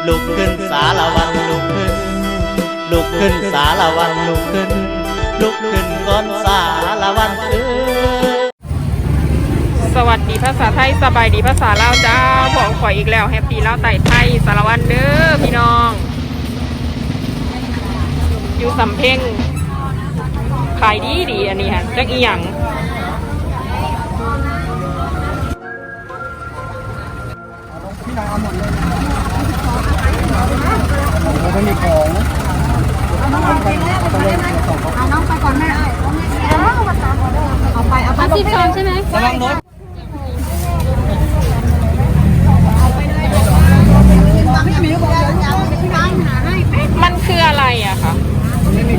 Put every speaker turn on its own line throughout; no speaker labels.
ลุกขึ้นสารวันลุกขึ้นลุกขึ้นสารวันลุกขึ้นลุกขึ้นก้อนสารวัน
สวัสดีภาษาไทยสบายดีภาษาลาวจ้าบอกข่อยอีกแล้วแฮปปี้ลาวไต่ไทยสารวันเด้อพี่น้องอยู่สำเพ็งขายดีอันนี้ฮะจักอีหยัง
ไม่มีของเอาน้องไปก่อนแม่เอาไปที่ชมใช่ไหมระวังรถ
มันคืออะไรอะคะ
มันไม่มี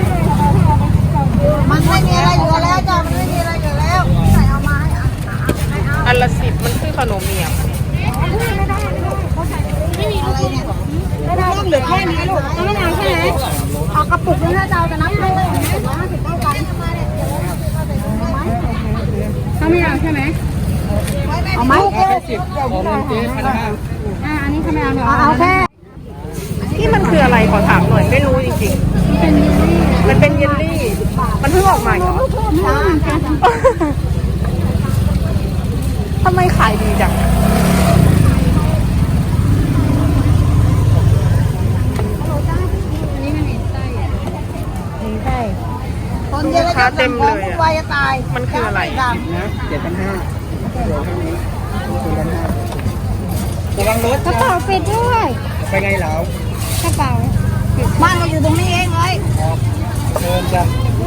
อะไรเหลือแล้วจ้ะมันไม่มีอะไรเหลือแล้วใส่เอามา
อันละ10มันคือขนมเมียง
ไม่มีอะไรเนี่ยไม่ได้เหลือแค่นี้ลูกไม่นานใช่ไหมเอากระปุกนึงถ้าจะเอาจะนับให้เลย150 เท่ากันเขาไม่เอาใช่ไหมเอาไหมแค่10ของเจ๊1,500อันนี้เขาไม่เอาเอาแค่
ที่มันคืออะไรขอถามหน่อยไม่รู้จริงๆมันเป็นเยลลี่มันเพิ่งออกมาเหรอทำไมขายดีจัง
คนเยอะแล้วจะของวุ่นวายจะตาย
มันคืออะไร
นะ
7,500เดี๋ยวเท่านี้7,500ระวังรถ
กระเป๋าปิดด้วย
ไปไงเหรอก
ระเป๋าบ้านเราอยู่ตรงนี้เองเลย
เชิญจ้ะ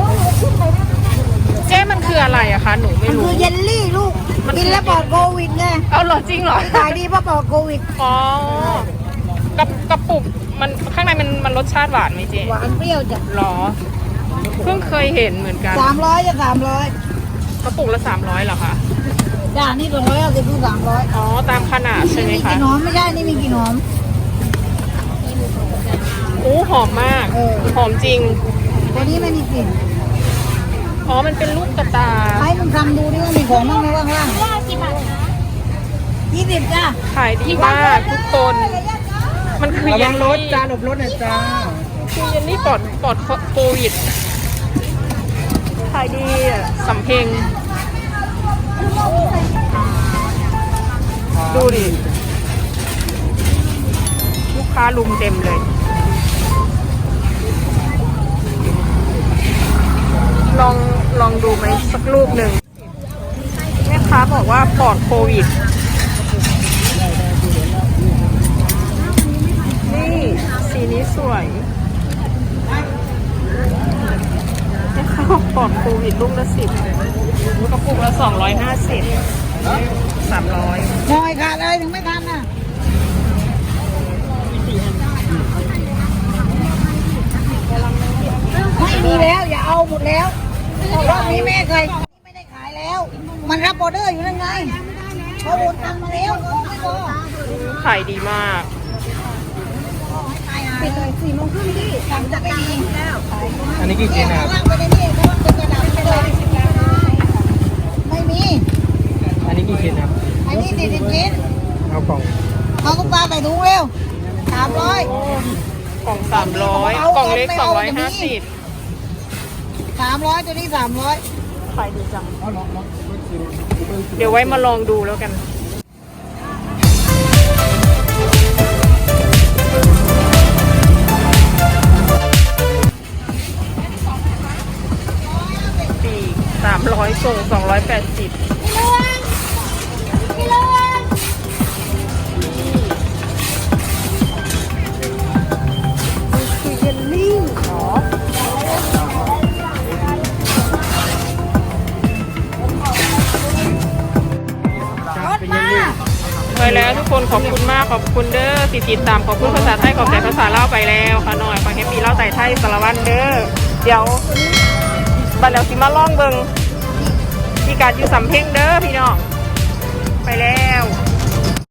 เจ๊มันคืออะไรอะคะหนูไม่รู้
มันคือเยลลี่ลูกกินแล้วปลอดโควิดไง
เอาเหรอจริงเหรอ
ขายดีเพราะปลอดโควิด
อ๋อกระปุกมันข้างในมันรสชาติหวานไหมเจ๊
หวานเปรี้ยวจ้ะ
หรอเพิ่งเคยเห็นเหมือนกัน
300จะ
กระปุกละ300เหรอคะ
จ้านี่250 ถึง 300
อ๋อตามขนาดใช่ไหมคะ
มีกี่หอมไม่ใช่นี่มีกี่หอม
โอ้หอมมากหอมจริง
ตัวนี้ไม่มีกลิ่น
อ๋อมันเป็นลูกกระตา
ให้มึงทำดูดิว่ามีของบ้างไหมว่างๆกี่บาท20จ้า
ขายดีมากทุกคนมันคือ
ระวังรถจ้าหลบรถหน่อยจ้า
คือเยลลี่ปลอดโควิดขายดีสำเพ็งดูดิลูกค้าลุมเต็มเลยลองดูไหมสักลูกหนึ่งแม่ค้าบอกว่าปลอดโควิดนี่สีนี้สวยแม่ค้าบอกปลอดโควิดลูกละ10กระปุกละ250 300
หน่อยขาดเลยถึงไม่ทันน่ะไม่มีแล้วอย่าเอาหมดแล้วรอบนี้แม่เคยไม่ได้ขายแล้วมันรับออเดอร์อยู่นั่นไงเขาโอนตังมาแล้วไม่พอ
ขายดีมาก
ปิดเลย4 โมงครึ่งที่สั่งจะไม่มีแล้ว
อันนี้กี่ชิ้นครับ
ไปในนี่เพราะว่าเป็นกระดาษไปเลยไม่มี
อันนี้กี่ชิ้นครับ
อันนี้40 ชิ้น
เอากล่อง
เอาตุ๊กตาใส่ถุงเร็ว300
กล่อง300กล่องเล็ก250
300ตัวนี้300
ขายดีจังเดี๋ยวไว้มาลองดูแล้วกันปี300ส่ง280ไปแล้วทุกคนขอบคุณมากขอบคุณเด้อติดตามขอบคุณภาษาไทยขอบใจภาษาลาวไปแล้วค่ะหน่อยฟังแฮปปี้ลาวไต่ไทยสารวันเด้อเดี๋ยวบัดแล้วสิมาล่องเบิงที่การอยู่สำเพ็งเด้อพี่น้องไปแล้ว